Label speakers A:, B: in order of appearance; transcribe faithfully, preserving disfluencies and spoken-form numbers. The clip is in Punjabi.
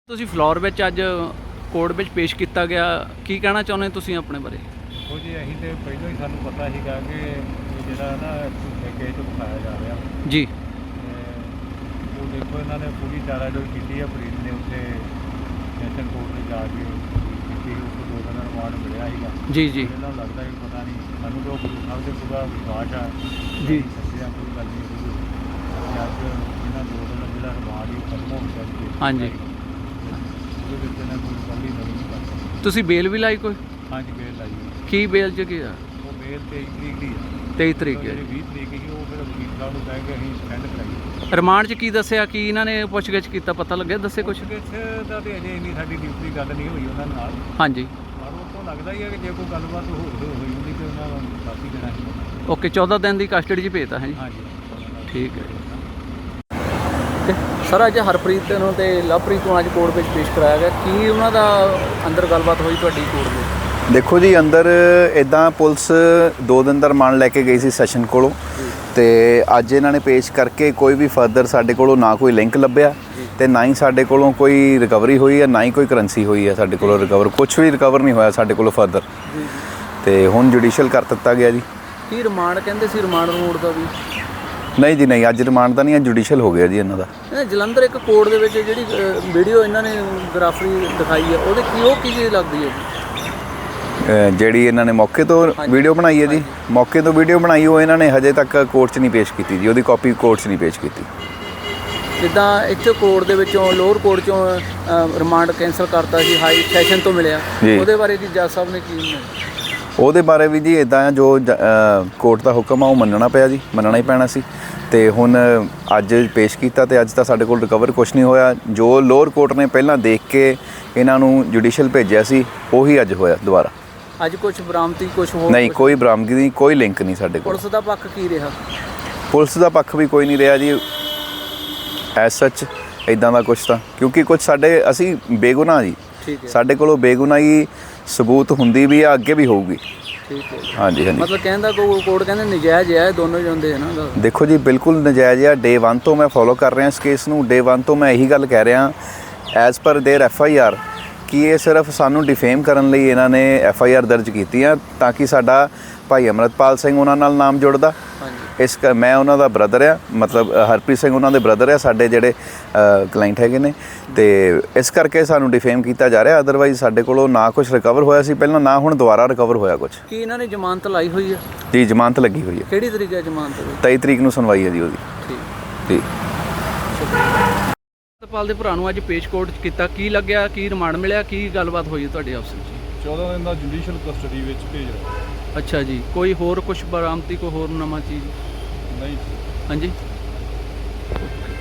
A: ਤੁਸੀਂ ਫਲੋਰ ਵਿੱਚ ਅੱਜ ਕੋਰਟ ਵਿੱਚ ਪੇਸ਼ ਕੀਤਾ ਗਿਆ, ਕੀ ਕਹਿਣਾ ਚਾਹੁੰਦੇ ਤੁਸੀਂ ਆਪਣੇ ਬਾਰੇ?
B: ਦੇਖੋ ਜੀ, ਅਸੀਂ ਤਾਂ ਪਹਿਲਾਂ ਹੀ ਸਾਨੂੰ ਪਤਾ ਸੀਗਾ ਕਿ ਇਹ ਜਿਹੜਾ ਨਾ ਝੂਠੇ ਕੇਸ ਉਠਾਇਆ ਜਾ ਰਿਹਾ
A: ਜੀ।
B: ਤੇ ਉਹ ਦੇਖੋ ਇਹਨਾਂ ਨੇ ਪੂਰੀ ਚਾਰਾਜੋਈ ਕੀਤੀ ਹੈ। ਫਰੀਦ ਨੇ ਉੱਥੇ ਸੈਸ਼ਨ ਕੋਰਟ 'ਤੇ ਜਾ ਕੇ ਕੀਤੀ, ਉਸ ਤੋਂ ਦੋ ਦਿਨ ਰਿਮਾਂਡ ਮਿਲਿਆ ਸੀਗਾ।
A: ਜੀ ਜੀ
B: ਇਹਨਾਂ ਨੂੰ ਲੱਗਦਾ ਕਿ ਪਤਾ ਨਹੀਂ, ਸਾਨੂੰ ਤਾਂ ਗੁਰੂ ਸਾਹਿਬ ਦੇ ਪੂਰਾ ਵਿਸ਼ਵਾਸ ਆ
A: ਜੀ।
B: ਸੱਚਿਆ ਕੋਈ ਗੱਲ ਨਹੀਂ ਹੋਈ। ਅੱਜ ਇਹਨਾਂ ਦੋ ਦਿਨ ਜਿਹੜਾ ਰਿਮਾਂਡ ਹੀ ਖਤਮ ਹੋ ਗਿਆ ਜੀ।
A: ਹਾਂਜੀ।
B: ਉਹਦੇ ਵਿੱਚ ਇਹਨਾਂ ਕੋਈ ਗੱਲ ਹੀ ਨਹੀਂ ਕਰ ਸਕਦੀ।
A: ਤੁਸੀਂ ਬੇਲ ਵੀ ਲਾਈ ਕੋਈ?
B: ਹਾਂਜੀ, ਬੇਲ ਲਾਈ ਹੋਈ।
A: ਕੀ ਬੇਲ 'ਚ ਕੀ ਆ?
B: ਉਹ ਬੇਲ ਤੇਈ ਤਰੀਕ ਦੀ ਹੈ।
A: ਤੇਈ ਤਰੀਕ ਹੈ।
B: ਜਿਹੜੀ ਵੀਹ ਤਰੀਕ ਸੀ ਉਹ ਫਿਰ ਵਕੀਲ ਸਾਹਿਬ ਨੂੰ ਕਹਿ ਕੇ ਅਸੀਂ ਸਟੈਂਡ ਕਰਾਈ।
A: ਰਿਮਾਂਡ 'ਚ ਕੀ ਦੱਸਿਆ, ਕੀ ਇਹਨਾਂ ਨੇ ਪੁੱਛਗਿੱਛ ਕੀਤਾ, ਪਤਾ ਲੱਗਿਆ? ਦੱਸੇ ਕੁਛ?
B: ਪੁੱਛਗਿੱਛ ਦਾ ਤੇ ਅਜੇ ਇੰਨੀ ਸਾਡੀ ਡਿਊਟੀ ਗੱਲ ਨਹੀਂ ਹੋਈ ਉਹਨਾਂ ਨਾਲ,
A: ਹਾਂਜੀ।
B: ਪਰ ਉਹ ਤੋਂ ਲੱਗਦਾ ਹੀ ਹੈ ਕਿ ਜੇ ਕੋਈ ਗੱਲਬਾਤ ਹੋ ਹੋਈ ਹੁੰਦੀ ਤੇ ਉਹਨਾਂ ਨੂੰ ਕਾਫੀ ਦੇਣਾ ਸੀ।
A: ਓਕੇ, ਚੌਦਾਂ ਦਿਨ ਦੀ ਕਸਟਡੀ 'ਚ ਭੇਜਤਾ ਹੈ ਜੀ।
B: ਹਾਂਜੀ,
A: ਠੀਕ ਹੈ। ਸਰ, ਅੱਜ ਹਰਪ੍ਰੀਤ ਨੂੰ ਤੇ ਲਵਪ੍ਰੀਤ ਨੂੰ ਅੱਜ ਕੋਰਟ ਵਿੱਚ ਪੇਸ਼ ਕਰਾਇਆ ਗਿਆ, ਕੀ ਉਹਨਾਂ ਦਾ ਅੰਦਰ ਗੱਲਬਾਤ ਹੋਈ ਤੁਹਾਡੀ ਕੋਰਟ ਵਿੱਚ?
C: ਦੇਖੋ ਜੀ, ਅੰਦਰ ਇੱਦਾਂ ਪੁਲਿਸ ਦੋ ਦਿਨ ਦਾ ਰਿਮਾਂਡ ਲੈ ਕੇ ਗਈ ਸੀ ਸੈਸ਼ਨ ਕੋਲੋਂ, ਤੇ ਅੱਜ ਇਹਨਾਂ ਨੇ ਪੇਸ਼ ਕਰਕੇ ਕੋਈ ਵੀ ਫਰਦਰ ਸਾਡੇ ਕੋਲੋਂ ਨਾ ਕੋਈ ਲਿੰਕ ਲੱਭਿਆ ਤੇ ਨਾ ਹੀ ਸਾਡੇ ਕੋਲੋਂ ਕੋਈ ਰਿਕਵਰੀ ਹੋਈ ਹੈ, ਨਾ ਹੀ ਕੋਈ ਕਰੰਸੀ ਹੋਈ ਹੈ ਸਾਡੇ ਕੋਲੋਂ ਰਿਕਵਰ। ਕੁਝ ਵੀ ਰਿਕਵਰ ਨਹੀਂ ਹੋਇਆ ਸਾਡੇ ਕੋਲੋਂ ਫਰਦਰ, ਤੇ ਹੁਣ ਜੁਡੀਸ਼ੀਅਲ ਕਰ ਦਿੱਤਾ ਗਿਆ ਜੀ।
A: ਕੀ ਰਿਮਾਂਡ ਕਹਿੰਦੇ ਸੀ? ਰਿਮਾਂਡ ਰੋਡ ਦਾ ਵੀ
C: ਨਹੀਂ ਜੀ, ਨਹੀਂ, ਅੱਜ ਰਿਮਾਂਡ ਦਾ ਨਹੀਂ, ਅੱਜ ਜੁਡੀਸ਼ੀਅਲ ਹੋ ਗਿਆ ਜੀ ਇਹਨਾਂ ਦਾ।
A: ਇਹ ਜਲੰਧਰ ਇੱਕ ਕੋਰਟ ਦੇ ਵਿੱਚ ਜਿਹੜੀ ਵੀਡੀਓ ਇਹਨਾਂ ਨੇ ਗ੍ਰਾਫਰੀ ਦਿਖਾਈ ਹੈ, ਉਹਦੇ ਕੀ ਉਹ ਕੀ ਚੀਜ਼ ਲੱਗਦੀ ਹੈ ਜੀ?
C: ਅ, ਜਿਹੜੀ ਇਹਨਾਂ ਨੇ ਮੌਕੇ ਤੋਂ ਵੀਡੀਓ ਬਣਾਈ ਹੈ ਜੀ, ਮੌਕੇ ਤੋਂ ਵੀਡੀਓ ਬਣਾਈ, ਉਹ ਇਹਨਾਂ ਨੇ ਹਜੇ ਤੱਕ ਕੋਰਟ 'ਚ ਨਹੀਂ ਪੇਸ਼ ਕੀਤੀ ਜੀ। ਉਹਦੀ ਕਾਪੀ ਕੋਰਟ 'ਚ ਨਹੀਂ ਪੇਸ਼ ਕੀਤੀ।
A: ਜਿੱਦਾਂ ਇੱਥੇ ਕੋਰਟ ਦੇ ਵਿੱਚੋਂ ਲੋਅਰ ਕੋਰਟ 'ਚੋਂ ਰਿਮਾਂਡ ਕੈਂਸਲ ਕਰਤਾ ਸੀ, ਹਾਈ ਸੈਸ਼ਨ ਤੋਂ ਮਿਲਿਆ, ਉਹਦੇ ਬਾਰੇ ਕੀ ਜੱਜ ਸਾਹਿਬ ਨੇ ਕੀ?
C: ਉਹਦੇ ਬਾਰੇ ਵੀ ਜੀ ਇੱਦਾਂ ਜੋ ਕੋਰਟ ਦਾ ਹੁਕਮ ਆ ਉਹ ਮੰਨਣਾ ਪਿਆ ਜੀ, ਮੰਨਣਾ ਹੀ ਪੈਣਾ ਸੀ। ਤੇ ਹੁਣ ਅੱਜ ਪੇਸ਼ ਕੀਤਾ ਤੇ ਅੱਜ ਤਾਂ ਸਾਡੇ ਕੋਲ ਰਿਕਵਰ ਕੁਛ ਨਹੀਂ ਹੋਇਆ। ਜੋ ਲੋਅਰ ਕੋਰਟ ਨੇ ਪਹਿਲਾਂ ਦੇਖ ਕੇ ਇਹਨਾਂ ਨੂੰ ਜੁਡੀਸ਼ੀਅਲ ਭੇਜਿਆ ਸੀ, ਉਹੀ ਅੱਜ ਹੋਇਆ ਦੁਬਾਰਾ।
A: ਅੱਜ ਕੁਝ ਬਰਾਮਦੀ ਕੁਝ ਹੋਰ?
C: ਨਹੀਂ, ਕੋਈ ਬਰਾਮਦਗੀ ਨਹੀਂ, ਕੋਈ ਲਿੰਕ ਨਹੀਂ ਸਾਡੇ ਕੋਲ।
A: ਪੁਲਿਸ ਦਾ ਪੱਖ ਕੀ ਰਿਹਾ?
C: ਪੁਲਿਸ ਦਾ ਪੱਖ ਵੀ ਕੋਈ ਨਹੀਂ ਰਿਹਾ ਜੀ ਐਸ ਸੱਚ ਇੱਦਾਂ ਦਾ ਕੁਛ ਤਾਂ, ਕਿਉਂਕਿ ਕੁਝ ਸਾਡੇ ਅਸੀਂ ਬੇਗੁਨਾਹ ਜੀ, ਸਾਡੇ ਕੋਲੋਂ ਬੇਗੁਨਾਹੀ ਸਬੂਤ ਹੁੰਦੀ ਵੀ ਆ, ਅੱਗੇ ਵੀ ਹੋਊਗੀ।
A: ਠੀਕ ਹੈ।
C: ਹਾਂਜੀ ਹਾਂਜੀ।
A: ਮਤਲਬ ਕਹਿੰਦਾ ਕੋਰਟ ਕਹਿੰਦੇ ਨਜਾਇਜ਼ ਹੈ, ਦੋਨੋਂ ਜਾਂਦੇ ਹੈ ਨਾ?
C: ਦੇਖੋ ਜੀ, ਬਿਲਕੁਲ ਨਜਾਇਜ਼ ਆ। ਡੇ ਵਨ ਤੋਂ ਮੈਂ ਫੋਲੋ ਕਰ ਰਿਹਾ ਇਸ ਕੇਸ ਨੂੰ। ਡੇ ਵਨ ਤੋਂ ਮੈਂ ਇਹੀ ਗੱਲ ਕਹਿ ਰਿਹਾ as per there F I R ਕਿ ਇਹ ਸਿਰਫ ਸਾਨੂੰ ਡਿਫੇਮ ਕਰਨ ਲਈ ਇਹਨਾਂ ਨੇ ਐਫ ਆਈ ਆਰ ਦਰਜ ਕੀਤੀ ਆ, ਤਾਂ ਕਿ ਸਾਡਾ ਭਾਈ ਅੰਮ੍ਰਿਤਪਾਲ ਸਿੰਘ ਉਹਨਾਂ ਨਾਲ ਨਾਮ ਜੁੜਦਾ। ਇਸ ਕ ਮੈਂ ਉਹਨਾਂ ਦਾ ਬ੍ਰਦਰ ਆ, ਮਤਲਬ ਹਰਪ੍ਰੀਤ ਸਿੰਘ ਉਹਨਾਂ ਦੇ ਬ੍ਰਦਰ ਆ, ਸਾਡੇ ਜਿਹੜੇ ਕਲਾਇੰਟ ਹੈਗੇ ਨੇ, ਤੇ ਇਸ ਕਰਕੇ ਸਾਨੂੰ ਡਿਫੇਮ ਕੀਤਾ ਜਾ ਰਿਹਾ। ਅਦਰਵਾਈਜ਼ ਸਾਡੇ ਕੋਲੋਂ ਨਾ ਕੁਝ ਰਿਕਵਰ ਹੋਇਆ ਸੀ ਪਹਿਲਾਂ, ਨਾ ਹੁਣ ਦੁਬਾਰਾ ਰਿਕਵਰ ਹੋਇਆ ਕੁਝ।
A: ਕੀ ਇਹਨਾਂ ਨੇ ਜ਼ਮਾਨਤ ਲਾਈ ਹੋਈ ਹੈ?
C: ਜੀ, ਜ਼ਮਾਨਤ ਲੱਗੀ ਹੋਈ ਹੈ।
A: ਕਿਹੜੀ ਤਰੀਕ ਹੈ ਜ਼ਮਾਨਤ ਦੀ?
C: ਤੇਈ ਤਰੀਕ ਨੂੰ ਸੁਣਵਾਈ ਹੈ ਜੀ ਉਹਦੀ।
A: ਠੀਕ
C: ਜੀ।
A: ਅੰਮ੍ਰਿਤਪਾਲ ਦੇ ਭਰਾ ਨੂੰ ਅੱਜ ਪੇਸ਼ ਕੋਰਟ 'ਚ ਕੀਤਾ, ਕੀ ਲੱਗਿਆ, ਕੀ ਰਿਮਾਂਡ ਮਿਲਿਆ, ਕੀ ਗੱਲਬਾਤ ਹੋਈ ਤੁਹਾਡੇ ਆਪਸ ਵਿੱਚ?
B: ਚੌਦਾਂ ਦਿਨ ਦਾ ਜੁਡੀਸ਼ੀਅਲ ਕਸਟਡੀ ਵਿੱਚ ਭੇਜ ਰਿਹਾ।
A: ਅੱਛਾ ਜੀ। ਕੋਈ ਹੋਰ ਕੁਝ ਬਰਾਮਦੀ, ਕੋਈ ਹੋਰ ਨਵਾਂ ਚੀਜ਼?
B: ਨਹੀਂ।
A: ਹਾਂਜੀ।